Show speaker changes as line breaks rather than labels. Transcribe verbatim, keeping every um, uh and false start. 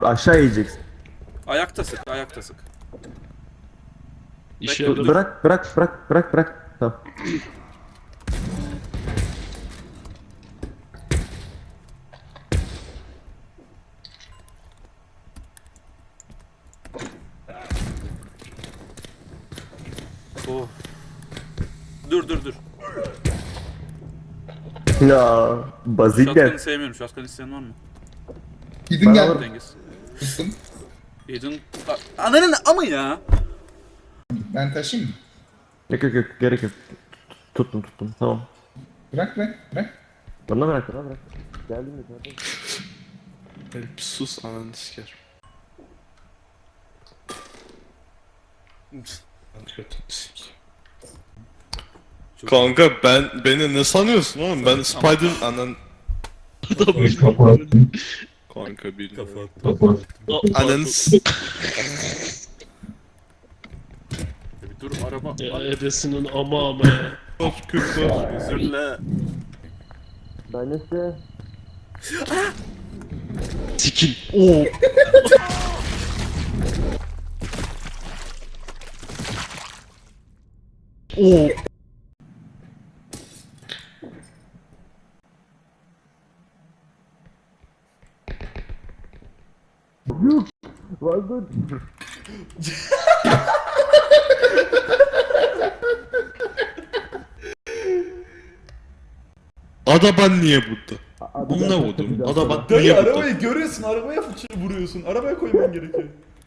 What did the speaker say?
Aşağı yiyeceksin.
Ayakta sık, ayakta sık.
İşe
Bekle,
dur.
Bırak bırak bırak bırak bırak. Tamam.
Oh. Dur dur dur.
Ya bazik
Shotgun'ı
gel.
sevmiyorum. Shotgun isteyen var mı?
Gidin
Ben
gel.
alırım.
Cengiz.
Tuttum.
Aiden... A- Ananın ama ya.
Ben taşıyayım mı?
Yok yok yok gerek yok. Tuttum tuttum tamam.
Bırak bırak bırak.
Bana bırak bana bırak. Geldim mi zaten?
Elif sus ananı siker. Kötü sik.
Çok-
Kanka ben beni ne sanıyorsun oğlum? Ben Spider anan kanka bilmiyorum.
Kafa attım.
Ananı s-
Bir dur araba.
Ya
Ay,
edesinin ama ama ya.
Of kötü.
özür dile.
Ben işte.
Sikin. Oo. Oo.
Vardı.
Adaban niye burada? Onunla vurdum. Adaban
Dayı
niye burada?
arabayı görüyorsun, arabaya fıçı vuruyorsun. Arabaya koyman gerekiyor.